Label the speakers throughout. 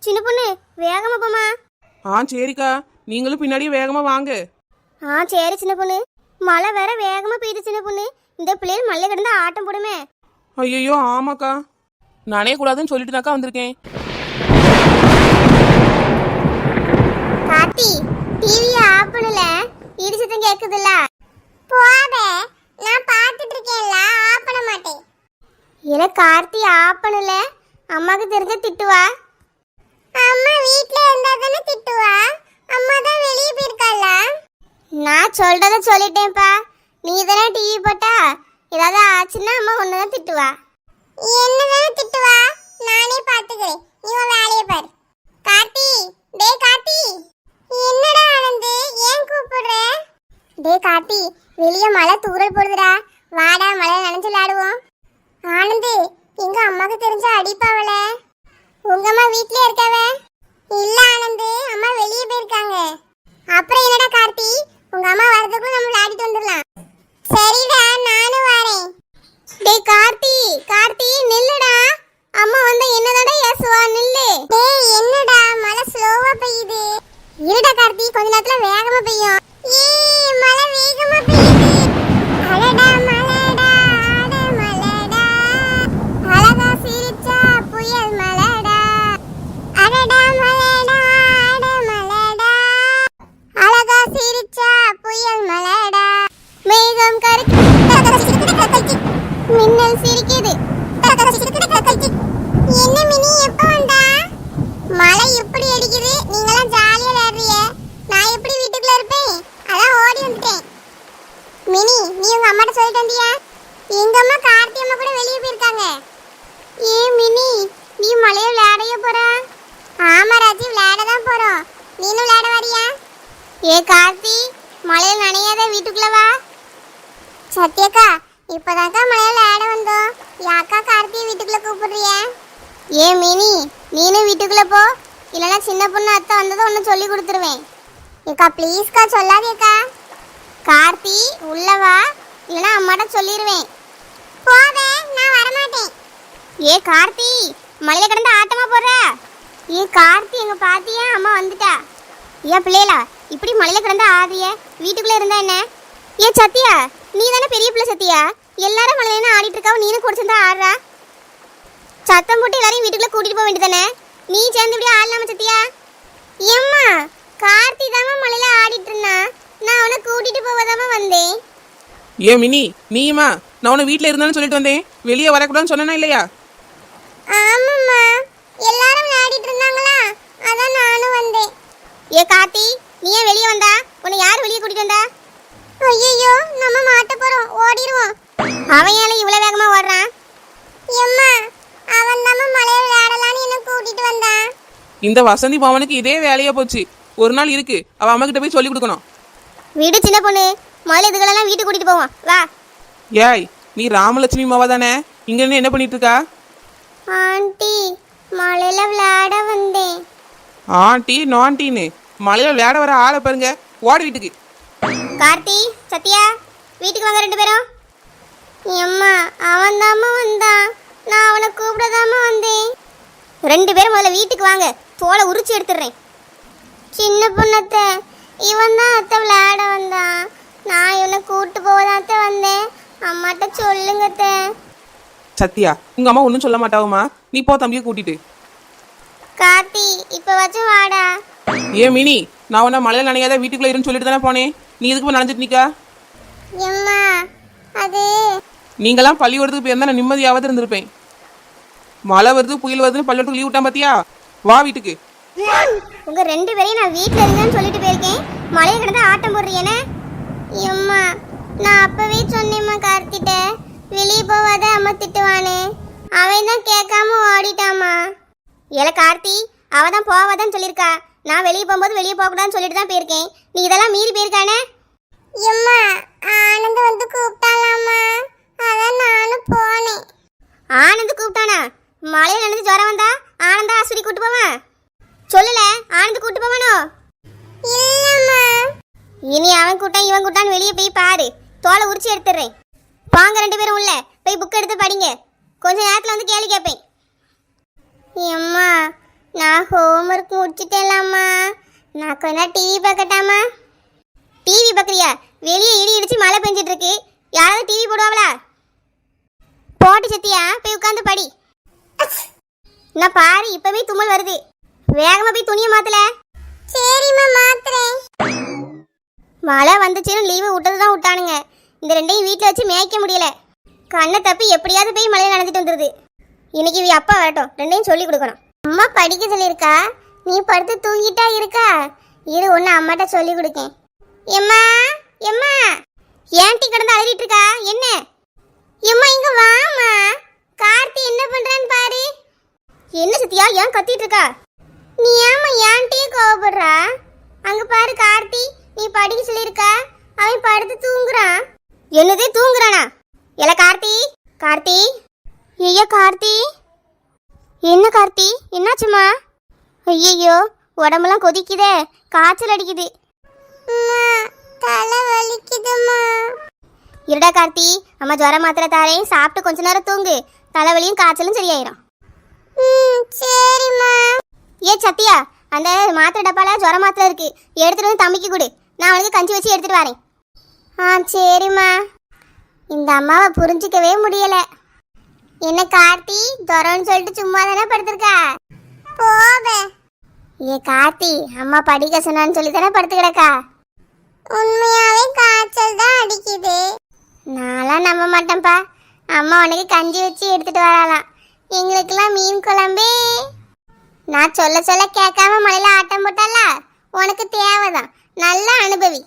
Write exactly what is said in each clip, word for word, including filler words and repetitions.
Speaker 1: சின்ன பொண்ணு வேகமா போமா.
Speaker 2: ஆ சரிக்கா, நீங்களும் பின்னாடியே வேகமா வாங்க.
Speaker 1: ஆ சரி சின்ன பொண்ணு. மழை வேற வேகமா பெய்யுது சின்ன பொண்ணு. இந்த பிள்ளைகள் மழை கிடந்தா ஆட்டம் போடுமே.
Speaker 2: ஐயோ ஆமாக்கா, நனைய கூடாதுன்னு சொல்லிட்டு தாக்கா வந்திருக்கேன்.
Speaker 1: கார்த்தி டிவியை ஆஃப் பண்ணல, இடி சத்தம் கேக்குதுல்ல. போவே நான் பார்த்துட்டு இருக்கேன்ல, ஆஃப் பண்ண மாட்டேன். இல்ல கார்த்தி ஆஃப் பண்ணல, அம்மாக்கு தெரிஞ்ச திட்டுவா. அம்மா வீட்ல இருந்தா தானே திட்டுவா, அம்மா தான் வெளியே போயிருக்கால. நான் சொல்றத சொல்லிட்டேன்ப்பா, நீ தானே டிவி போட்டா, ஏதாவது ஆச்சுன்னா அம்மா ஒன்னதான் திட்டுவா. என்னதானே திட்டுவா, நானே பாத்துக்கிறேன், நீ உன் வேலையை பாரு. கார்த்தி டே கார்த்தி. என்னடா ஆனந்து, ஏன் கூப்பிடுற? டே கார்த்தி, வெளியே மழை தூறல் போடுதுடா, வாடா மழை நனைஞ்சு விளையாடுவோம். ஆனந்து, எங்க அம்மாக்கு தெரிஞ்ச அடிப்பாவல. உங்க அம்மா வீட்லயே இருக்காவ? இல்ல ஆனந்து, அம்மா வெளியே போயிருக்காங்க. அப்புறம் என்னடா கார்த்தி, உங்க அம்மா வரதுக்குள்ள நம்ம விளையாடிட்டு வந்துடலாம். சரிடா, நானும் வரேன். டேய் கார்த்தி, கார்த்தி நில்லுடா, அம்மா வந்தா என்னதாடா ஏசுவா, நில்லு. டேய் என்னடா மழை ஸ்லோவா பெய்யுது. இருடா கார்த்தி, கொஞ்ச நேரத்துல வேகமா பெய்யும். ஏய் மழை வேகமா பெய்யுது. அடடா மழைடா, ஆட மழைடா, அழகா சிரிச்சா புயல் மழைடா. அடடா மழைடா, ஆட மழைடா, அழகா சிரிச்சா புயல் மழைடா. மேகம் கருக்கி மின்னல் சிரிக்குது. என்ன மினி, எப்ப வந்தா? மழை எப்படி அடிக்குது, நீங்களாம் ஜாலியா விளையாடுறீங்க, நான் எப்படி வீட்டுக்குள்ள இருப்பேன், அதான் ஓடி வந்துட்டேன். மினி நீ உங்க அம்மாட்ட சொல்லிட்டு வந்தியா? எங்க அம்மா கார்த்தி அம்மா கூட வெளியே போயிருக்காங்க. ஏ மினி, நீ மழையில விளையாடைய போற? ஆமா ராஜி, விளையாட தான் போறோம், நீனும் விளையாட வரியா? ஏ கார்த்தி, மழையில நனையாத, வீட்டுக்குள்ள வா. சத்யக்கா, இப்பதாக்கா மழையில விளையாட வந்தோம், யாக்கா கார்த்தியை வீட்டுக்குள்ள கூப்பிடுறிய? ஏ மினி, நீனும் வீட்டுக்குள்ள போ, இல்லைன்னா சின்ன பொண்ணு அத்தை வந்ததும் ஒன்று சொல்லி கொடுத்துருவேன். ஏக்கா ப்ளீஸ்க்கா, சொல்லாதேக்கா. கார்த்தி உள்ள வா, இல்லைன்னா அம்மாட்ட சொல்லிடுவேன். போவே, நான் வரமாட்டேன். ஏ கார்த்தி, மழையில கிடந்து ஆட்டமா போடுற? ஏ கார்த்தி, எங்க பாத்தியா, அம்மா வந்துட்டா. ஏன் பிள்ளைகளா இப்படி மழையில கிடந்து ஆடுறிய, வீட்டுக்குள்ள இருந்தா என்ன? ஏ சத்யா, நீ தானே பெரிய பிள்ளை சத்யா, எல்லாரும் மழையில ஆடிட்டு இருக்காவ, நீனும் கூட சேர்ந்தா ஆடுறா. சத்தம் போட்டு எல்லாரையும் வீட்டுக்குள்ள கூட்டிட்டு போக வேண்டியதானே, நீ சேர்ந்து இப்படி ஆடலாமா சத்யா? ஏம்மா, கார்த்தி தாமா மழையில ஆடிட்டு இருந்தா, நான் அவனை கூட்டிட்டு போவதாம வந்தேன்.
Speaker 2: ஏ மினி, நீயுமா? நான் உன்னை வீட்டில் இருந்தாலும் சொல்லிட்டு வந்தேன், வெளியே வரக்கூடாதுன்னு சொன்னா இல்லையா?
Speaker 1: ஆமாம்மா, எல்லாரும் விளையாடிட்டு இருந்தாங்களா, அதான் நானும் வந்தேன். ஏ கார்த்தி, நீ ஏன் வெளியே வந்தா? உன்னை யார் வெளியே கூட்டிட்டு வந்தா? ஐயோ, நம்ம மாட்ட போறோம், ஓடிடுவோம். அவன் ஏன் இவ்வளவு வேகமா ஓடுறான்? எம்மா, அவன் தான் மழையில விளையாடலான்னு என்ன கூட்டிட்டு வந்தான்.
Speaker 2: இந்த வசந்தி பவனுக்கு இதே வேலையா போச்சு, ஒரு நாள் இருக்கு, அவ அம்மா கிட்ட போய் சொல்லி கொடுக்கணும்.
Speaker 1: வீடு சின்ன பொண்ணு, முதல்ல இதுகளெல்லாம் வீட்டுக்கு கூட்டிட்டு போவோம் வா.
Speaker 2: ஏய், நீ ராமலட்சுமி மாவா தானே, இங்க இருந்து என்ன பண்ணிட்டு இருக்கா?
Speaker 1: ஆண்டி, மழையில விளையாட வந்தேன்.
Speaker 2: ஆண்டி நான்டின்னு மழையில விளையாட வர ஆளை பாருங்க, ஓட வீட்டுக்கு.
Speaker 1: கார்த்தி, சத்யா, வீட்டுக்கு வாங்க ரெண்டு பேரும். எம்மா, அவன் தாம்மா வந்தான், நான் அவனை கூப்பிடதாம்மா வந்தேன். ரெண்டு பேரும் முதல்ல வீட்டுக்கு வாங்க, தோலை உரிச்சு எடுத்துடுறேன். சின்ன பொண்ணத்தை, இவன் தான் அத்தை விளையாட வந்தான், நான் இவனை கூப்பிட்டு போவதான் அத்தை வந்தேன், அம்மாட்ட சொல்லுங்க அத்தை.
Speaker 2: சத்யா, உங்க அம்மா ஒன்றும் சொல்ல மாட்டாவுமா, நீ போ தம்பியை கூட்டிட்டு.
Speaker 1: கார்த்தி, இப்போ வச்சும் வாடா.
Speaker 2: ஏ மினி, நான் உன்ன மழையில நனையாத வீட்டுக்குள்ள இருன்னு சொல்லிட்டு தானே போனேன், நீ எதுக்கு போய் நனைஞ்சிட்டு நிக்கா?
Speaker 1: எம்மா, அது
Speaker 2: நீங்களாம் பள்ளிக்கூடத்துக்கு போயிருந்தா நான் நிம்மதியாவது இருந்திருப்பேன். மழை வருது புயல் வருதுன்னு பள்ளிக்கூடத்துக்கு லீவ் விட்டான் பாத்தியா, வா வீட்டுக்கு.
Speaker 1: உங்க ரெண்டு பேரையும் நான் வீட்டில் இருந்தேன்னு சொல்லிட்டு போயிருக்கேன், மழையை கிடந்து ஆட்டம் போடுறீங்கன்னு. எம்மா, நான் அப்பவே சொன்னேம்மா கார்த்திட்ட, வெளியே போவாத அம்மா திட்டுவானே, அவன் தான் கேட்காம ஓடிட்டாமா. ஏல கார்த்தி, அவ தான் போவாதான்னு சொல்லியிருக்கா, நான் வெளியே போகும்போது வெளியே போகக்கூடாதுன்னு சொல்லிட்டு தான் போயிருக்கேன், நீ இதெல்லாம் மீறி போயிருக்கானே. எம்மா, ஆனந்த் வந்து கூப்பிட்டாலாமா, அதான் நானும் போனேன். ஆனந்த் கூப்பிட்டானா? மழையில நடந்து ஜுரம் வந்தா ஆனந்தா ஆஸ்பத்திரி கூட்டு போவான்? சொல்லல, ஆனந்த் கூட்டு போவானோ? இல்லம்மா. இனி அவன் கூட்டம் இவன் கூட்டான்னு வெளியே போய் பாரு, தோலை உரிச்சு எடுத்துடுறேன். வாங்க ரெண்டு பேரும் உள்ள போய் புக் எடுத்து படிங்க, கொஞ்ச நேரத்தில் வந்து கேள்வி கேட்பேன். எம்மா, நான் ஹோம்ஒர்க் முடிச்சிட்டேன்லாம்மா. நான் கொஞ்ச நேரம் டிவி பார்க்கட்டாமா? டிவி பார்க்குறியா? வெளியே இடி இடிச்சு மழை பெஞ்சிட்டு இருக்கு. யாராவது டிவி போடுவாங்களா? போட்டு சத்தியா போய் உட்காந்து படி. நான் பாரு இப்பவே தும்மல் வருது. வேகமா போய் துணியை மாத்தல. சரிம்மா மாத்துறேன். மழை வந்துச்சுன்னு லீவு விட்டது தான் விட்டானுங்க. இந்த ரெண்டையும் வீட்டில் வச்சு மேய்க்க முடியல. கண்ணை தப்பி எப்படியாவது போய் மழையில் நடந்துட்டு வந்துடுது. இன்னைக்கு இவ அப்பா வரட்டும், ரெண்டையும் சொல்லி கொடுக்கணும். அம்மா படிக்க சொல்லியிருக்கா, நீ படுத்து தூங்கிட்டா இருக்கா? இரு ஒன்று அம்மாட்ட சொல்லி கொடுக்கேன். எம்மா எம்மா ஏன் டீ கிடந்து அழுதிட்டு இருக்கா? என்ன எம்மா இங்க வாமா. கார்த்தி என்ன பண்றான்னு பாரு. என்ன சத்தியா ஏன் கத்திட்டு இருக்கா? நீ ஏமா ஏன் டீ கோவப்படுறா? அங்க பாரு கார்த்தி, நீ படிக்க சொல்லியிருக்கா, அவன் படுத்து தூங்குறான். என்னது தூங்குறானா? எல கார்த்தி கார்த்தி ஐயோ கார்த்தி. என்ன கார்த்தி என்னாச்சுமா? ஐயோ உடம்பெல்லாம் கொதிக்குதே, காய்ச்சல் அடிக்குது. தலை வலிக்குதுமா. இருடா கார்த்தி, அம்மா ஜுர மாத்திரை தாரேன், சாப்பிட்டு கொஞ்ச நேரம் தூங்கு. தலைவலியும் காய்ச்சலும் சரியாயிரும். சரிம்மா. ஏ சத்தியா, அந்த மாத்திரை டப்பால ஜுர மாத்திரை இருக்கு, எடுத்துட்டு வந்து தம்பிக்கு கொடு. நான் அவனுக்கு கஞ்சி வச்சு எடுத்துட்டு வரேன். ஆ சரிம்மா. இந்த அம்மாவை புரிஞ்சிக்கவே முடியல. என்ன கார்த்தி ஜுரம்னு சொல்லிட்டு சும்மா தானே படுத்திருக்கா? போவே. ஏ கார்த்தி, அம்மா படிக்க சொன்னான்னு சொல்லி தானே படுத்து கிடக்கா? உண்மையாவே காய்ச்சல் தான் அடிக்குது. நான்லாம் நம்ப மாட்டேன்ப்பா. அம்மா உனக்கு கஞ்சி வச்சு எடுத்துட்டு வரலாம். எங்களுக்கெல்லாம் மீன் குழம்பே. நான் சொல்ல சொல்ல கேட்காம மழையில ஆட்டம் போட்டால, உனக்கு தேவைதான். நல்லா அனுபவி.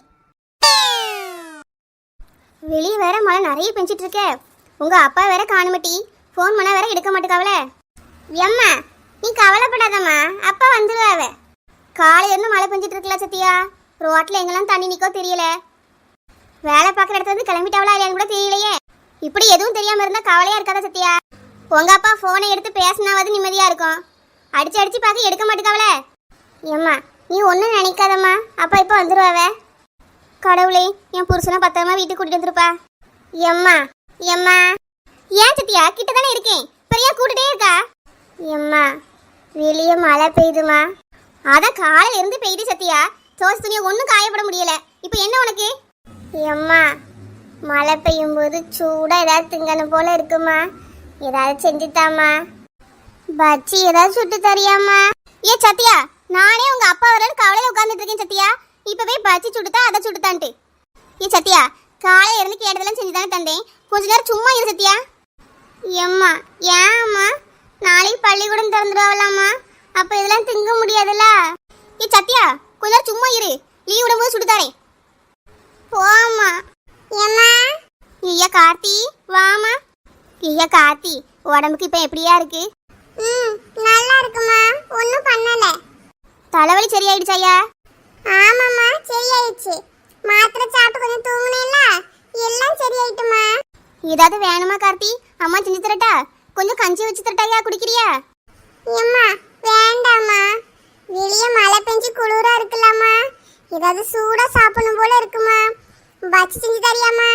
Speaker 1: வெளியே வேற மழை நிறைய பெஞ்சிட்டு இருக்க. உங்க அப்பா வேற காணுமட்டி, ஃபோன் பண்ணா வேற எடுக்க மாட்டேக்காவல. எம்மா நீ கவலைப்படாதம்மா, அப்பா வந்துருவாவ. காலையில இருந்து மழை பெஞ்சிட்டு இருக்கல சத்தியா, ரோட்ல எங்கெல்லாம் தண்ணி நிக்கோ தெரியல. வேலை பார்க்குற இடத்துல இருந்து கிளம்பிட்டாவளா இல்லையான்னு கூட தெரியலையே. இப்படி எதுவும் தெரியாம இருந்தா கவலையா இருக்காதா சத்தியா? உங்க அப்பா போனை எடுத்து பேசினாவது நிம்மதியா இருக்கும். அடிச்சு அடிச்சு பார்க்க எடுக்க மாட்டேக்காவல. ஏம்மா நீ ஒன்றும் நினைக்காதம்மா, அப்பா இப்போ வந்துருவாவ. கடவுளே, என் புருஷனை பத்திரமா வீட்டுக்கு கூட்டிட்டு வந்துருப்பா. எம்மா எம்மா ஏன் சத்தியா கிட்ட தானே இருக்கேன், பெரியா கூட்டிட்டே இருக்கா? எம்மா வெளியே மழை பெய்யுதுமா. அதான் காலையில இருந்து பெய்யுது சத்தியா, தோசை துணியை ஒன்றும் காயப்பட முடியல. இப்போ என்ன உனக்கு? எம்மா மழை பெய்யும் போது சூடாக ஏதாவது திங்கணும் போல இருக்குமா, ஏதாவது செஞ்சுத்தாமா. பச்சி ஏதாவது சுட்டு தரியாமா? ஏ சத்தியா, நானே உங்க அப்பா வரேன்னு கவலையில உட்காந்துட்டு இருக்கேன் சத்தியா. இப்பவே பச்சி சுட்டுத்தா அதை சுட்டுத்தான்ட்டு. ஏ சத்தியா, காலையில இருந்து கேட்டதெல்லாம் செஞ்சு தானே தந்தேன், கொஞ்ச நேரம் சும்மா இரு சத்தியா. எம்மா ஏம்மா, நாளைக்கு பள்ளிக்கூடம் திறந்துடுவாங்களாம்மா, அப்ப இதெல்லாம் திங்க முடியாதுல்ல. ஏ சத்தியா கொஞ்ச நேரம் சும்மா இரு, லீவ் விடும்போது சுட்டுத்தாரேன். போம்மா. எம்மா ஐயா கார்த்தி வாமா. ஐயா கார்த்தி, உடம்புக்கு இப்ப எப்படியா இருக்கு? ம் நல்லா இருக்குமா, ஒன்றும் பண்ணல. தலைவலி சரியாயிடுச்சாயா? ஆமாம்மா சரியாயிடுச்சு. மாத்திரை சாப்பிட்டு கொஞ்சம் தூங்குனேன்ல, எல்லாம் சரியாயிட்டுமா. ஏதாவது வேணுமா கார்த்தி? அம்மா செஞ்சு தரட்டா? கொஞ்சம் கஞ்சி வச்சு தரட்டாயா, குடிக்கிறியா? அம்மா வேண்டாம்மா, வெளியே மழை பெஞ்சு குளிரா இருக்குல்லம்மா, ஏதாவது சூடா சாப்பிடணும் போல இருக்குமா. பஜ்ஜி செஞ்சு தரியாமா?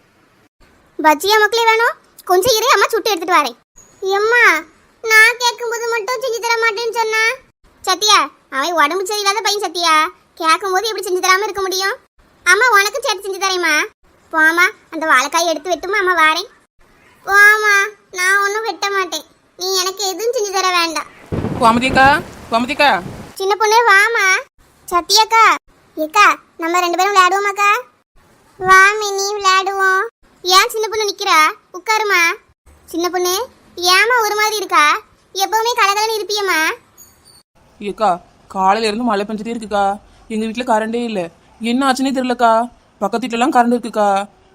Speaker 1: பஜ்ஜியா மக்களே வேணும், கொஞ்சம் இரு, அம்மா சுட்டு எடுத்துட்டு வரேன். எம்மா நான் கேட்கும்போது மட்டும் செஞ்சு தர மாட்டேன்னு சொன்னா. சத்தியா அவன் உடம்பு சரியில்லாத பையன் சத்தியா, கேட்கும்போது எப்படி செஞ்சு தராம இருக்க முடியும்? அம்மா உனக்கும் சேர்த்து செஞ்சு தரேம்மா. போமா, அந்த வாழைக்காய் எடுத்து வெட்டுமா, அம்மா வாரேன். போமா, நான் ஒன்றும் வெட்ட மாட்டேன், நீ எனக்கு எதுவும் செஞ்சு தர வேண்டாம்.
Speaker 2: கோமதிக்கா கோமதிக்கா
Speaker 1: சின்ன பொண்ணு வாமா. சத்தியாக்கா ஏக்கா நம்ம ரெண்டு பேரும் விளையாடுவோமாக்கா? வா மினி விளையாடுவோம். ஏன் சின்ன பொண்ணு நிக்கிறா, உட்காருமா. சின்ன பொண்ணு ஏமா ஒரு மாதிரி இருக்கா? எப்பவுமே கலகலன்னு இருப்பியம்மா.
Speaker 2: ஏக்கா காலையில இருந்து மழை பெஞ்சிட்டே இருக்குக்கா, எங்க வீட்டுல கரண்டே இல்ல, என்ன ஆச்சுன்னே தெரியலக்கா. பக்கத்து வீட்டுல எல்லாம் கரண்ட் இருக்குக்கா.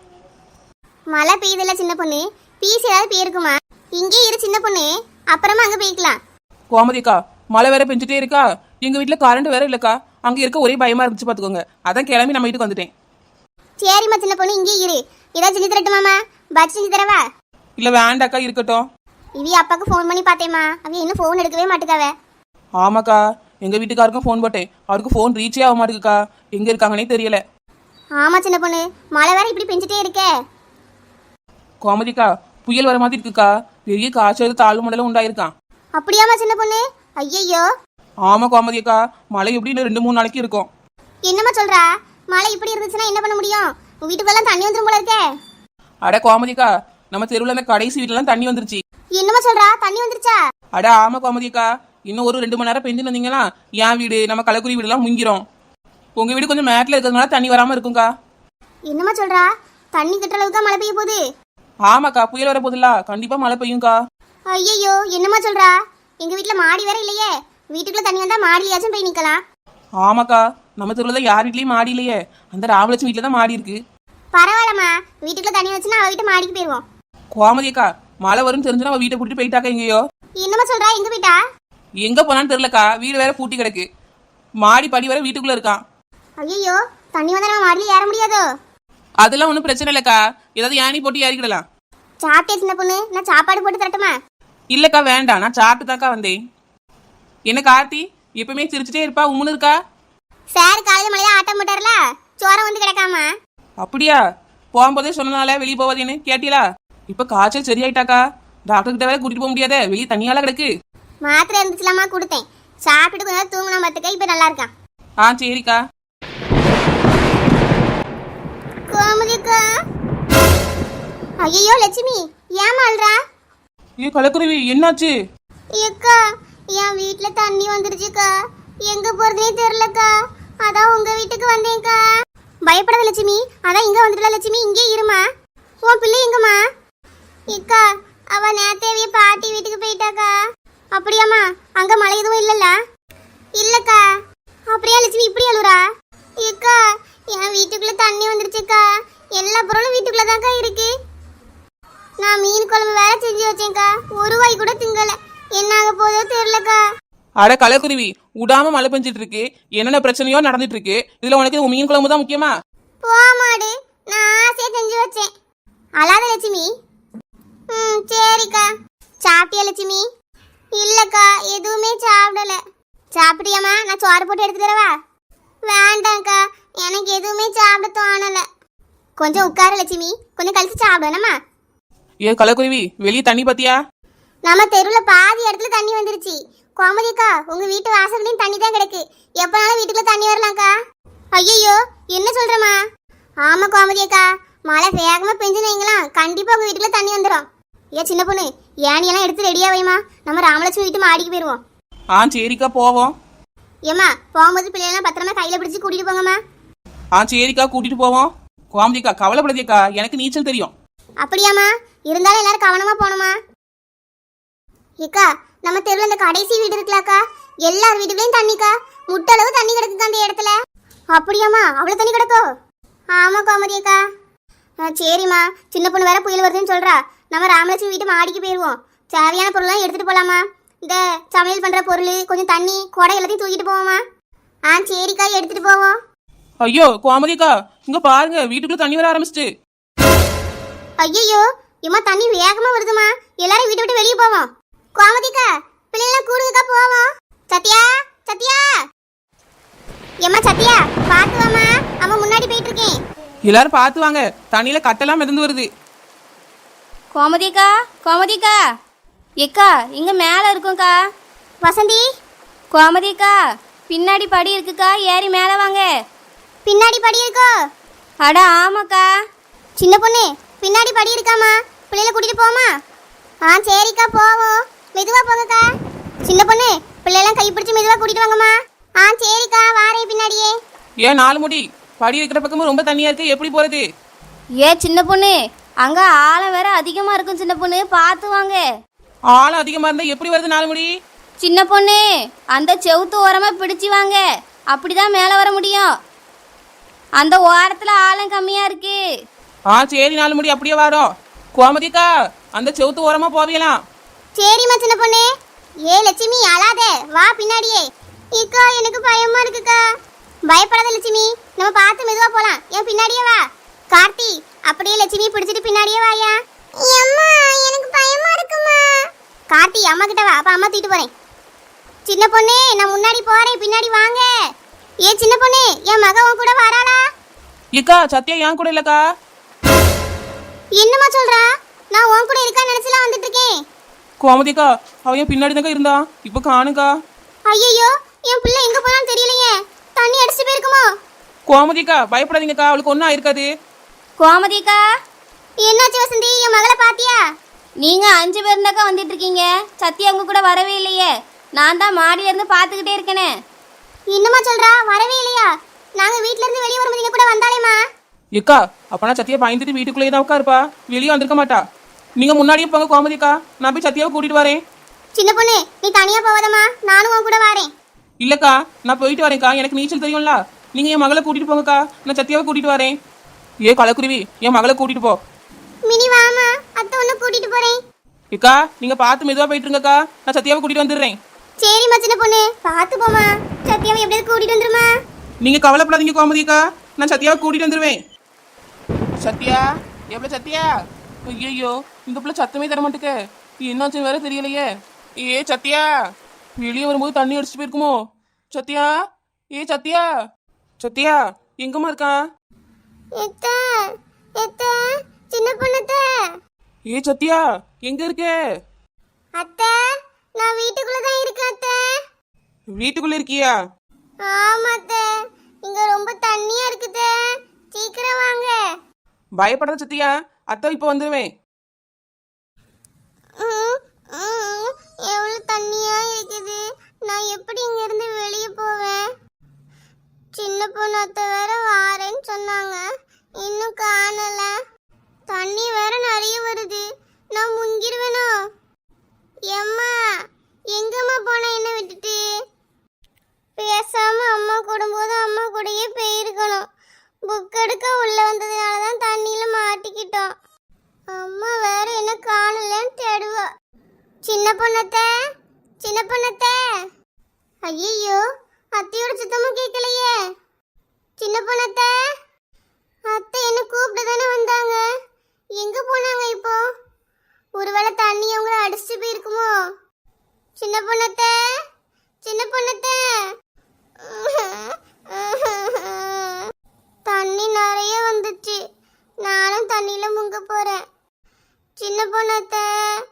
Speaker 1: மழை பெய்யுதுல்ல சின்ன பொண்ணு, பீஸ் ஏதாவது போயிருக்குமா? இங்கே இரு சின்ன பொண்ணு, அப்புறமா அங்க போய்க்கலாம்.
Speaker 2: கோமதிக்கா மழை வேற பெஞ்சிட்டே இருக்கா, எங்க வீட்டுல கரண்ட் வேற இல்லக்கா, அங்க இருக்க ஒரே பயமா இருந்துச்சு பாத்துக்கோங்க, அதான் கிளம்பி நம்ம வீட்டுக்கு வந்துட்டேன்.
Speaker 1: சரிம்மா சின்ன பொண்ணு இங்கே இரு, ஏதாவது செஞ்சு தரட்டுமாமா? பஜ்ஜி செஞ்சு தரவா?
Speaker 2: இல்ல வேண்டாக்கா இருக்கட்டும்.
Speaker 1: இவி அப்பாக்கு ஃபோன் பண்ணி பார்த்தேம்மா, அவ இன்னும் ஃபோன் எடுக்கவே மாட்டுக்காவ.
Speaker 2: ஆமாக்கா எங்க வீட்டுக்காருக்கும் ஃபோன் போட்டேன், அவருக்கு ஃபோன் ரீச்சே ஆக மாட்டேங்குக்கா, எங்க இருக்காங்கன்னே தெரியல.
Speaker 1: ஆமா சின்ன பொண்ணு, மழை வேற இப்படி பெஞ்சிட்டே இருக்கே.
Speaker 2: கோமதிக்கா புயல் வர மாதிரி இருக்குக்கா, பெரிய காய்ச்சல் தாழ்வு மண்டலம் உண்டாயிருக்கான்.
Speaker 1: அப்படியாமா சின்ன பொண்ணு? ஐயையோ
Speaker 2: ஆமா கோமதி அக்கா, மழை எப்படி இன்னும் ரெண்டு மூணு நாளைக்கு இருக்கும்.
Speaker 1: என்னம்மா சொல்றா? மழை இப்படி இருந்துச்சுன்னா என்ன பண்ண முடியும்? உன் வீட்டுக்குள்ளலாம் தண்ணி வந்துரும் போல இருக்கே.
Speaker 2: அட கோமதி அக்கா, நம்ம தெருவில் அந்த கடைசி வீட்டுலாம் தண்ணி வந்துருச்சு.
Speaker 1: என்னம்மா சொல்றா? தண்ணி வந்துருச்சா?
Speaker 2: அட ஆமா கோமதி அக்கா, இன்னும் ஒரு ரெண்டு மணி நேரம் பெஞ்சு வந்தீங்களா என் வீடு நம்ம கலக்குரி வீடுலாம் முங்கிரும். உங்க வீடு கொஞ்சம் மேட்டில் இருக்கிறதுனால தண்ணி வராம இருக்கும்க்கா.
Speaker 1: என்னம்மா சொல்றா? தண்ணி கட்டுற அளவுக்கு மழை பெய்ய போகுது?
Speaker 2: ஆமாக்கா, புயல் வர போதில்ல, கண்டிப்பா மழை பெய்யும்க்கா.
Speaker 1: ஐயோ, என்னம்மா சொல்றா? எங்க வீட்டுல மாடி வேற இல்லையே. வீட்டுக்குள்ள தண்ணி வந்தா மாடியிலாச்சும் போய் நிக்கலாம்.
Speaker 2: ஆமாக்கா, நம்ம தெருவில் தான் யார் வீட்லயும் மாடி இல்லையே, அந்த ராமலட்சுமி வீட்டில் தான் மாடி இருக்கு.
Speaker 1: பரவாயில்லம்மா, வீட்டுக்குள்ள தண்ணி வச்சுன்னா அவ வீட்டு மாடிக்கு போயிருவோம்.
Speaker 2: கோமதி அக்கா, மழை வரும்னு தெரிஞ்சுன்னா அவ வீட்டை கூட்டிட்டு போயிட்டாக்கா. எங்கேயோ
Speaker 1: என்னம்மா சொல்றா? எங்க போயிட்டா?
Speaker 2: எங்க போனான்னு தெரியலக்கா, வீடு வேற பூட்டி கிடக்கு, மாடி படி வேற வீட்டுக்குள்ள இருக்கான்.
Speaker 1: ஐயோ, தண்ணி வந்தா நம்ம மாடியில ஏற முடியாதோ?
Speaker 2: அதெல்லாம் ஒன்றும் பிரச்சனை இல்லக்கா, ஏதாவது யானி போட்டு ஏறிக்கிடலாம்.
Speaker 1: சாப்பிட்டே சின்ன பொண்ணு, நான் சாப்பாடு போட்டு தரட்டுமா?
Speaker 2: இல்லக்கா வேண்டாம், நான் சாப்பிட்டு தாக்கா வந்தேன். என்ன கார்த்தி எப்பவுமே சிரிச்சுட்டே இருப்பா, உம்முன்னு இருக்கா?
Speaker 1: சார் காலையில மழையா ஆட்டம் போட்டார்ல, சோரம் வந்து கிடக்காம.
Speaker 2: அப்படியா? போகும்போதே சொன்னனால வெளியே போவதுன்னு கேட்டீங்களா? இப்ப காய்ச்சல் சரியாயிட்டாக்கா, டாக்டர் கிட்ட வேற கூட்டிட்டு போக முடியாத, வெளியே தண்ணியால கிடக்கு.
Speaker 1: மாத்திரை இருந்துச்சுலாமா கொடுத்தேன், சாப்பிட்டு கொஞ்ச நேரம் தூங்கினா பார்த்துக்க, இப்ப நல்லா இருக்கான்.
Speaker 2: ஆ சரிக்கா.
Speaker 1: கோமதிக்கா. ஐயோ லட்சுமி, ஏமா அல்றா?
Speaker 2: ஏ கலக்குருவி, என்னாச்சு?
Speaker 1: ஏக்கா, என் வீட்டுல தண்ணி வந்துருச்சுக்கா, எங்க போறதே தெரியலக்கா, அதான் உங்க வீட்டுக்கு வந்தேன்க்கா. பயப்படாத லட்சுமி, அதான் இங்க வந்துடல லட்சுமி, இங்கே இருமா. உன் பிள்ளை எங்கம்மா? ஏக்கா, அவ நேத்தேவிய பாட்டி வீட்டுக்கு போயிட்டாக்கா. அப்படியாம்மா? அங்க மழை எதுவும் இல்லல்ல? இல்லக்கா. அப்படியா லட்சுமி இப்படி அழுறா? ஏக்கா, என் வீட்டுக்குள்ள தண்ணி வந்துருச்சுக்கா, எல்லா பொருளும் வீட்டுக்குள்ள தான்க்கா இருக்கு. நான் மீன் குழம்பு வேற செஞ்சு வச்சேன்க்கா, ஒரு வாய் கூட திங்கல, என்ன ஆக போதோ தெரியலக்கா.
Speaker 2: அட கலக்குருவி, விடாம மழை பெஞ்சிட்டு இருக்கு, என்னென்ன பிரச்சனையோ நடந்துட்டு இருக்கு, இதுல உனக்கு மீன் குழம்பு தான் முக்கியமா?
Speaker 1: போமாடு, நான் ஆசையா செஞ்சு வச்சேன். அழாத லட்சுமி. ம் சரிக்கா. சாப்பிட்டியா லட்சுமி? இல்லக்கா, எதுவுமே சாப்பிடல. சாப்பிட்டியாமா? நான் சோறு போட்டு எடுத்து தரவா? வேண்டாம்க்கா, எனக்கு எதுவுமே சாப்பிட தோணல. கொஞ்சம் உட்கார லட்சுமி, கொஞ்சம் கழிச்சு சாப்பிடணுமா?
Speaker 2: ஏ கலக்குருவி, வெளியே தண்ணி பாத்தியா?
Speaker 1: நம்ம தெருவில் பாதி இடத்துல தண்ணி வந்துருச்சு. கோமதிக்கா, உங்க வீட்டு வாசல்லையும் தண்ணி தான் கிடக்கு, எப்பனாலும் வீட்டுக்குள்ள தண்ணி வரலாம்க்கா. ஐயோ, என்ன சொல்றமா? ஆமா கோமதியக்கா, மழை வேகமா பெஞ்சுனீங்களா கண்டிப்பா உங்க வீட்டுக்குள்ள தண்ணி வந்துடும். ஏ சின்ன பொண்ணு, ஏனியெல்லாம் எடுத்து ரெடியா வைமா, நம்ம ராமலட்சுமி வீட்டு மாடிக்கு போயிருவோம்.
Speaker 2: ஆ சரிக்கா, போவோம்.
Speaker 1: ஏம்மா, போகும்போது பிள்ளைலாம் பத்திரமா கையில பிடிச்சி கூட்டிட்டு போங்கம்மா.
Speaker 2: ஆ சரிக்கா, கூட்டிட்டு போவோம். கோமதிக்கா கவலைப்படாதீக்கா, எனக்கு நீச்சல் தெரியும்.
Speaker 1: அப்படியாம்மா? இருந்தாலும் எல்லாரும் கவனமா போகணுமா? ஏக்கா, நம்ம தெருவில் இந்த கடைசி வீடு இருக்கலாக்கா, எல்லார் வீட்டுக்குள்ளேயும் தண்ணிக்கா, முட்டளவு தண்ணி கிடக்குக்கா அந்த இடத்துல. அப்படியாம்மா? அவ்வளோ தண்ணி கிடக்கோ? ஆமா கோமதியக்கா. சரிம்மா, சின்ன பொண்ணு வேற புயல் வருதுன்னு சொல்றா, நம்ம ராமலட்சுமி வீட்டு மாடிக்கு போயிடுவோம். தேவையான பொருள்லாம் எடுத்துட்டு போலாமா? இந்த சமையல் பண்ற பொருள், கொஞ்சம் தண்ணி, குடை எல்லாத்தையும் தூக்கிட்டு போவோமா? ஆ சரிக்கா, எடுத்துட்டு போவோம்.
Speaker 2: ஐயோ கோமதிக்கா, இங்க பாருங்க, வீட்டுக்குள்ள தண்ணி வர ஆரம்பிச்சிட்டு.
Speaker 1: ஐயோ, இம்மா தண்ணி வேகமா வருதுமா, எல்லாரும் வீட்டை விட்டு வெளியே போவோம். கோமதிக்கா, பிள்ளைலாம் கூடுங்கக்கா, போவோம். சத்யா, சத்யா, ஏம்மா சத்யா, பாத்து வாமா, அம்மா முன்னாடி போயிட்டு இருக்கேன்.
Speaker 2: எல்லாரும் பார்த்து வாங்க, தண்ணியில கட்டெல்லாம் மிதந்து வருது.
Speaker 3: கோமதிக்கா, கோமதிக்கா, எக்கா இங்க மேல இருக்கும்க்கா.
Speaker 1: வசந்தி,
Speaker 3: கோமதிக்கா, பின்னாடி படி இருக்குக்கா, ஏறி மேல வாங்க.
Speaker 1: பின்னாடி படி இருக்கோ?
Speaker 3: அட ஆமாக்கா.
Speaker 1: சின்ன பொண்ணு, பின்னாடி படி இருக்காமா, பிள்ளைல கூட்டிட்டு போமா? ஆ சரிக்கா, போவோம். மெதுவா போங்கக்கா. சின்ன பொண்ணு, பிள்ளைலாம் கை பிடிச்சி மெதுவா கூட்டிட்டு வாங்கம்மா. ஆ சரிக்கா, வாரேன் பின்னாடியே.
Speaker 2: ஏன் நாலு முடி, படி இருக்கிற பக்கமும் ரொம்ப தண்ணியா இருக்கு, எப்படி போறது?
Speaker 3: ஏ சின்ன பொண்ணு, அங்க ஆழம் வேற அதிகமா இருக்கும் சின்ன பொண்ணு, பார்த்து வாங்க.
Speaker 2: ஆழம் அதிகமா இருந்தா எப்படி வருது நாலு முடி?
Speaker 3: சின்ன பொண்ணு, அந்த செவுத்து ஓரமா பிடிச்சி வாங்க, அப்படிதான் மேல வர முடியும். அந்த ஓரத்துல ஆழம் கம்மியா இருக்கு.
Speaker 2: ஆ சரி நாலு முடி, அப்படியே வரோம். கோமதிக்கா, அந்த செவுத்து ஓரமா போவீங்களாம்.
Speaker 1: சரிம்மா சின்ன பொண்ணு. ஏ லட்சுமி, அழாத, வா பின்னாடியே. இக்கா, எனக்கு பயமா இருக்குக்கா. பயப்படாத லட்சுமி, நம்ம பார்த்து மெதுவா போலாம், என் பின்னாடியே வா. கார்த்தி, அப்படியே லட்சுமி பிடிச்சிட்டு பின்னாடியே வாயா. அம்மா, எனக்கு பயமா இருக்குமா. கார்த்தி, அம்மா கிட்ட வா, அப்ப அம்மா தூக்கிட்டு போறேன். சின்ன பொண்ணு, நான் முன்னாடி போறேன், பின்னாடி வாங்க. ஏ சின்ன பொண்ணு, என் மக உன் கூட வராளா?
Speaker 2: இக்கா, சத்யா என் கூட இல்லக்கா.
Speaker 1: என்னம்மா சொல்றா? நான் உன் கூட இருக்கா நினைச்சுலாம் வந்துட்டு இருக்கேன்.
Speaker 2: கோமதிக்கா, அவன் பின்னாடி தாங்க இருந்தான், இப்ப காணுக்கா.
Speaker 1: ஐயோ, என் பிள்ளை எங்க போனான்னு தெரியலையே. தண்ணி அடிச்சு போயிருக்குமோ?
Speaker 2: கோமதிக்கா பயப்படாதீங்கக்கா, அவளுக்கு ஒன்றும் ஆயிருக்காது.
Speaker 3: கோமதிக்கா,
Speaker 1: என்னாச்சு வசந்தி, என் மகளை பாத்தியா?
Speaker 3: நீங்க அஞ்சு பேருந்தாக்கா வந்துட்டு இருக்கீங்க. சத்யா உங்க கூட வரவே இல்லையே. நான் தான் மாடியில இருந்து பாத்துக்கிட்டே இருக்கேனே.
Speaker 1: இன்னுமா சொல்றா, வரவே இல்லையா? நாங்க வீட்ல இருந்து வெளியே வரும்போது நீங்க கூட வந்தாலேமா.
Speaker 2: ஏக்கா அப்பனா சத்தியா பயந்துட்டு வீட்டுக்குள்ளேயே தான் உட்காருப்பா, வெளியே வந்திருக்க மாட்டா. நீங்க முன்னாடியே போங்க கோமதிக்கா, நான் போய் சத்தியாவை கூட்டிட்டு வரேன்.
Speaker 1: சின்ன பொண்ணு, நீ தனியா போவதம்மா, நானும் உன் கூட வரேன்.
Speaker 2: இல்லக்கா நான் போயிட்டு வரேன்க்கா, எனக்கு நீச்சல் தெரியும்ல. நீங்க என் மகளை கூட்டிட்டு போங்கக்கா, நான் சத்தியாவை கூட்டிட்டு வரேன். ஏ கலக்குருவி, என் மகளை கூட்டிட்டு போ.
Speaker 1: மினி வாமா, அத்தை உன்னை கூட்டிட்டு போறேன்.
Speaker 2: ஏக்கா நீங்க பார்த்து மெதுவா போயிட்டு இருங்கக்கா, நான் சத்தியாவை கூட்டிட்டு வந்துடுறேன்.
Speaker 1: சரிம்மா சின்ன பொண்ணு, பார்த்து போமா. சத்யாவை எப்படியாவது கூட்டிட்டு வந்துருமா.
Speaker 2: நீங்க கவலைப்படாதீங்க கோமதிக்கா, நான் சத்தியாவை கூட்டிட்டு வந்துடுவேன். சத்யா எவ்வளவு சத்யா? ஐயோ இந்த பிள்ளை சத்தமே தர மாட்டேக்க, என்னாச்சுன்னு வேற தெரியலையே. ஏ சத்யா, வெளியே வரும்போது தண்ணி அடிச்சுட்டு போயிருக்குமோ? சத்யா, ஏ சத்யா, சத்யா எங்கம்மா இருக்கா?
Speaker 1: எத்த எத்த சின்ன பொண்ணத்த.
Speaker 2: ஏ சத்யா எங்க இருக்க?
Speaker 1: அத்தை, நான் வீட்டுக்குள்ள தான் இருக்கேன் அத்தை.
Speaker 2: வீட்டுக்குள்ள இருக்கியா?
Speaker 1: ஆமா அத்தை, இங்க ரொம்ப தண்ணியா இருக்குதே, சீக்கிரம் வாங்க.
Speaker 2: பயப்படாத சத்யா, அத்தை இப்போ வந்துடுவேன்.
Speaker 1: ம், ம், எவ்வளவு தண்ணியா இருக்குது, நான் எப்படி இங்க இருந்து வெளியே போவேன்? சின்ன பொண்ணு அத்தை வேற வாரேன்னு சொன்னாங்க, இன்னும் காணல. தண்ணி வேற நிறைய வருது, நான் முங்கிருவேனோ? எம்மா, எங்கம்மா போன என்ன விட்டுட்டு? பேசாம அம்மா கூடும்போது அம்மா கூடயே போயிருக்கணும். புக் எடுக்க உள்ள வந்ததுனால தான் தண்ணியில மாட்டிக்கிட்டோம். அம்மா வேற என்ன காணலன்னு தேடுவா. சின்ன பொண்ணத்தை, சின்ன பொண்ணத்தை. ஐயோ, அத்தையோட சுத்தமா கேட்கலையே. சின்ன பொண்ணத்தை, அத்தை என்ன கூப்பிட்டு தானே வந்தாங்க, எங்க போனாங்க இப்போ? ஒருவேளை தண்ணி அவங்கள அடிச்சுட்டு போயிருக்குமோ? சின்ன பொண்ணத்தை, சின்ன பொண்ணத்தை. தண்ணி நிறைய வந்துச்சு, நானும் தண்ணியில முங்க போறேன். சின்ன பொண்ணத்தை,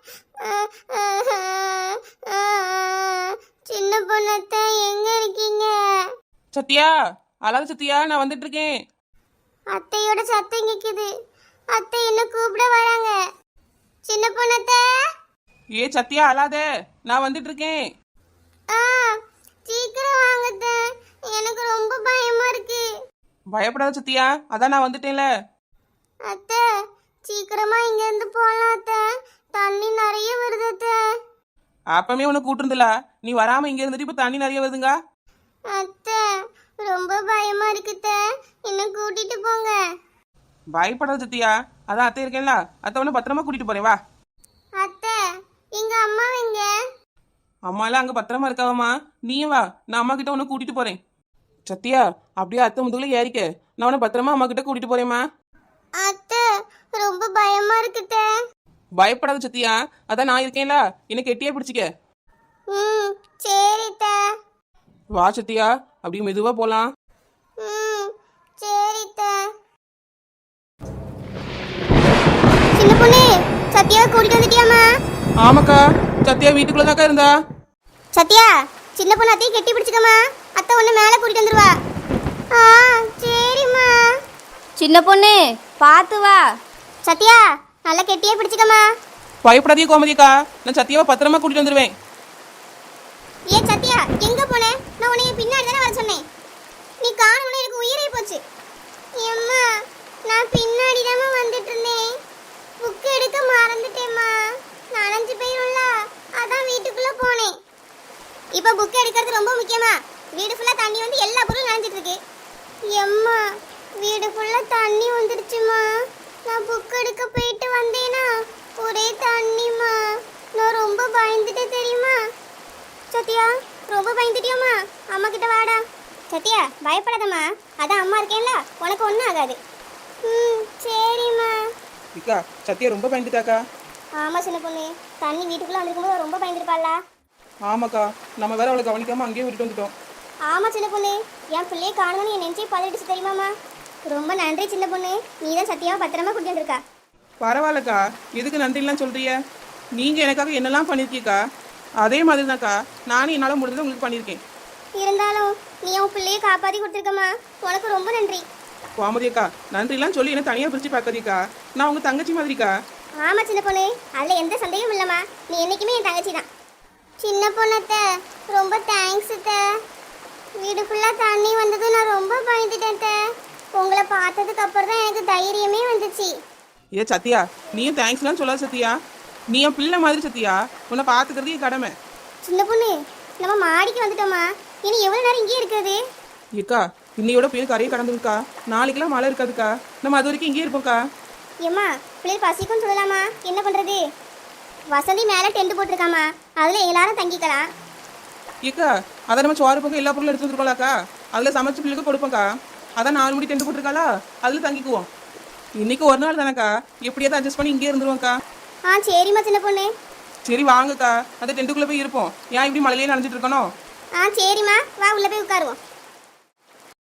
Speaker 1: சின்ன பொண்ணத்தை எங்க இருக்கீங்க?
Speaker 2: சத்யா அழாத சத்யா, நான் வந்துட்டு இருக்கேன்.
Speaker 1: அத்தையோட சத்தம் கேக்குது, அத்தை என்ன கூப்பிட வராங்க. சின்ன பொண்ணத்தை.
Speaker 2: ஏ சத்யா அழாத, நான் வந்துட்டு இருக்கேன்.
Speaker 1: ஆ, சீக்கிரம் வாங்க, எனக்கு ரொம்ப பயமா இருக்கு.
Speaker 2: பயப்படாத சத்யா, அதான் நான் வந்துட்டேன்ல.
Speaker 1: அத்தை, சீக்கிரமா இங்க இருந்து போலாம் அத்தை, தண்ணி நிறைய வருது அத்தை.
Speaker 2: அப்பமே உனக்கு கூட்டிருந்தல, நீ வராம இங்க இருந்துட்டு இப்ப தண்ணி நிறைய வருதுங்க.
Speaker 1: அத்தை, ரொம்ப பயமா இருக்குத்த, என்ன கூட்டிட்டு போங்க.
Speaker 2: பயப்படாத சத்யா, அதான் அத்தை இருக்கேன்ல, அத்தை உன்னை பத்திரமா கூட்டிட்டு போறேன் வா.
Speaker 1: அத்தை, எங்க அம்மா எங்க?
Speaker 2: அம்மா எல்லாம் அங்க பத்திரமா இருக்காவம்மா, நீயும் வா, நான் அம்மா கிட்ட உன்னை கூட்டிட்டு போறேன். சத்யா அப்படியே அத்தை முதுகுல ஏறிக்க, நான் உன்னை பத்திரமா அம்மா கிட்ட கூட்டிட்டு போறேம்மா.
Speaker 1: அத்தை, ரொம்ப பயமா இருக்குத்த.
Speaker 2: பயப்படாத சத்யா, அதான் நான் இருக்கேன்ல, என்ன கெட்டியா பிடிச்சிக்க.
Speaker 1: ம், சரித்த.
Speaker 2: வா சத்யா, அப்படியே மெதுவா போலாம்.
Speaker 1: ம், சரித்த. சின்ன பொண்ணு, சத்யாவை கூட்டிட்டு வந்துட்டியாமா?
Speaker 2: ஆமாக்கா, சத்யா வீட்டுக்குள்ளதாக்கா இருந்தா.
Speaker 1: சத்யா, சின்ன பொண்ணு அத்தையை கெட்டி பிடிச்சுக்கம்மா, அத்தை ஒன்று மேலே கூட்டிட்டு வந்துருவா. ஆ, சரிம்மா.
Speaker 3: சின்ன பொண்ணு பார்த்து வா.
Speaker 1: சத்யா, நல்லா கெட்டியே பிடிச்சுக்கம்மா.
Speaker 2: பயப்படாதே கோமதிக்கா, நான் சத்யாவை பத்திரமா கூட்டிட்டு வந்துருவேன்.
Speaker 1: ஏ சத்யா, எங்க போன? நான் உன்னை பின்னாடி தானே வர சொன்னேன், நீ காணோம்னு எனக்கு உயிரே போச்சு. எம்மா, நான் பின்னாடி தாம்மா வந்துட்டு இருந்தேன், புக் எடுக்க மறந்துட்டேம்மா, நனைஞ்சு போயிரும்ல, அதான் வீட்டுக்குள்ள போனேன். இப்போ புக் எடுக்கிறது ரொம்ப முக்கியமா? வீடு ஃபுல்லா தண்ணி வந்து எல்லா பொருளும் நனைஞ்சிட்டு இருக்கு. எம்மா, வீடு ஃபுல்லா தண்ணி வந்துடுச்சுமா, நான் புக் எடுக்க போயிட்டு வந்தேனா ஒரே தண்ணிமா, நான் ரொம்ப பயந்துட்டேன் தெரியுமா? சத்யா, ரொம்ப பயந்துட்டியோம்மா? அம்மா கிட்ட வாடா. சத்யா, பயப்படாதம்மா, அதான் அம்மா இருக்கேன்ல, உனக்கு ஒன்றும் ஆகாது. ம், சரிம்மா.
Speaker 2: இக்கா சத்யா ரொம்ப பயந்துட்டாக்கா.
Speaker 1: ஆமாம் சின்ன பொண்ணு, தண்ணி வீட்டுக்குள்ளே வந்திருக்கும்போது ரொம்ப பயந்துருப்பாளா?
Speaker 2: ஆமாக்கா, நம்ம வேற அவளை கவனிக்காம அங்கேயே விட்டுட்டு வந்துட்டோம்.
Speaker 1: ஆமாம் சின்ன பொண்ணு, என் பிள்ளையை காணணும்னு என் நெஞ்சே பதறிடுச்சு தெரியுமாம்மா? ரொம்ப நன்றி சின்ன பொண்ணு, நீ தான் சத்யாவை பத்திரமா கூட்டிட்டு இருக்கா.
Speaker 2: பரவாயில்லக்கா, எதுக்கு நன்றிலாம் சொல்றிய? நீங்க எனக்காக என்னெல்லாம் பண்ணிருக்கீக்கா? அதே மாதிரி தான்க்கா நானும் என்னால் முடிஞ்சதை உங்களுக்கு பண்ணியிருக்கேன்.
Speaker 1: இருந்தாலும் நீ உன் பிள்ளைய காப்பாத்தி கொடுத்துருக்கம்மா, உனக்கு ரொம்ப நன்றி.
Speaker 2: கோமதி அக்கா நன்றிலாம் சொல்லி என்ன தனியாக பிரித்து பார்க்காதீக்கா, நான் உங்கள் தங்கச்சி மாதிரிக்கா.
Speaker 1: ஆமா சின்ன பொண்ணு, அதுல எந்த சந்தேகமும் இல்லம்மா, நீ என்னைக்குமே என் தங்கச்சி தான். சின்ன பொண்ணத்த ரொம்ப தேங்க்ஸ் அத்த. வீடு ஃபுல்லா தண்ணி வந்தது, நான் ரொம்ப பயந்துட்டேன் அத்த. உங்களை பார்த்ததுக்கு அப்புறம் தான் எனக்கு தைரியமே வந்துச்சு.
Speaker 2: ஏ சத்யா, நீயும் தேங்க்ஸ்லாம் சொல்லாத சத்யா, நீ என் பிள்ளை மாதிரி சத்யா, உன்னை பார்த்துக்கிறது என் கடமை.
Speaker 1: சின்ன பொண்ணு, நம்ம மாடிக்கு வந்துட்டோமா, இனி எவ்வளவு நேரம் இங்கேயே இருக்கிறது?
Speaker 2: ஏக்கா இன்னையோட பேர் கரையை கடந்துருக்கா, நாளைக்கெல்லாம் மழை இருக்காதுக்கா, நம்ம அது வரைக்கும் இங்கேயே இருப்போம்க்கா.
Speaker 1: ஏம்மா பிள்ளைகள் பசிக்கும்னு சொல்லலாமா, என்ன பண்றது? வசந்தி மேலே டென்ட் போட்டிருக்காமா, அதுல எல்லாரும் தங்கிக்கலாம்.
Speaker 2: ஏக்கா அதை நம்ம சோறு பக்கம் எல்லா பொருளும் எடுத்து வந்துருக்கோம்லாக்கா, அதில் சமைச்சு பிள்ளைக்கு கொடுப்போம்க்கா. அதான் நாலு மணி டென்ட் போட்டிருக்காளா, அதில் தங்கிக்குவோம். இன்னைக்கு ஒரு நாள் தானேக்கா, எப்படியாவது அட்ஜஸ்ட் பண்ணி இங்கே இருந்துருவோம்க்கா.
Speaker 1: ஆ சரிம்மா சின்ன பொண்ணு.
Speaker 2: சரி வாங்கக்கா, அந்த டென்ட்டுக்குள்ளே போய் இருப்போம். ஏன் இப்படி மழையிலே நனைஞ்சிட்டு இருக்கணும்?
Speaker 1: ஆ சரிம்மா, வா உள்ள போய் உட்காருவோம்.